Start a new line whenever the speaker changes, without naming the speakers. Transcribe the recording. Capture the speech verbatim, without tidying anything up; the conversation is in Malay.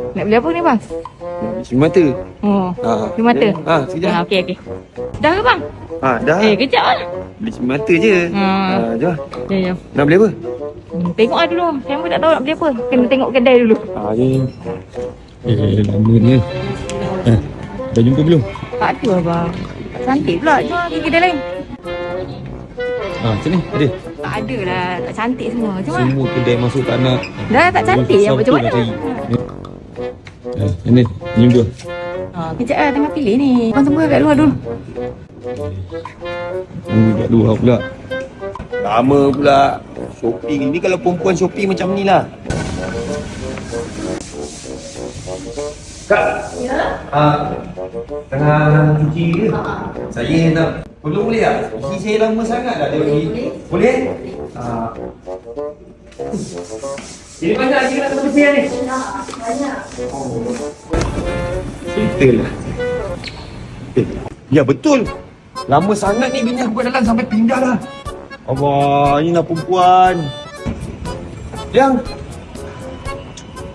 Nak beli apa ni bang?
Beli mata.
Oh,
Ha.
beli mata?
Ha, sekejap.
Ha, okey, okey. Dah ke bang?
Ha, dah.
Eh, kejap lah.
Beli mata je.
Ha.
Ha, jom.
Jom, jom.
Nak beli apa?
Hmm, tengok lah dulu. Saya pun tak tahu nak beli apa. Kena tengok kedai dulu.
Ha, jom. Eh, lama ni. Eh, dah jumpa belum?
Tak ada abang. Tak cantik pula. Jom pergi kedai lain.
Ha, macam ni? Ada?
Tak ada lah. Tak cantik semua. Cuma
Semua kedai masuk tak nak.
dah tak cantik. Yang macam mana?
Eh, ini. Ini dua.
Ha, kejap lah. Tengah pilih ni. Abang tunggu kat luar dulu.
Tunggu kat luar pula. Lama pula. Shopping ni kalau perempuan shopping macam ni lah. Kak.
Ya.
Ah, tengah cuci ke? Saya nak tolong boleh tak? Cuci saya lama sangat dah dia pergi. Boleh? Ah. Ini banyak lagi nak kena bersih ni?
Nak. Banyak.
Oh. Cerita lah. Eh, ya betul. Lama sangat ni bini aku kat dalam sampai pindah dah. Allah, ini nak perempuan. Yang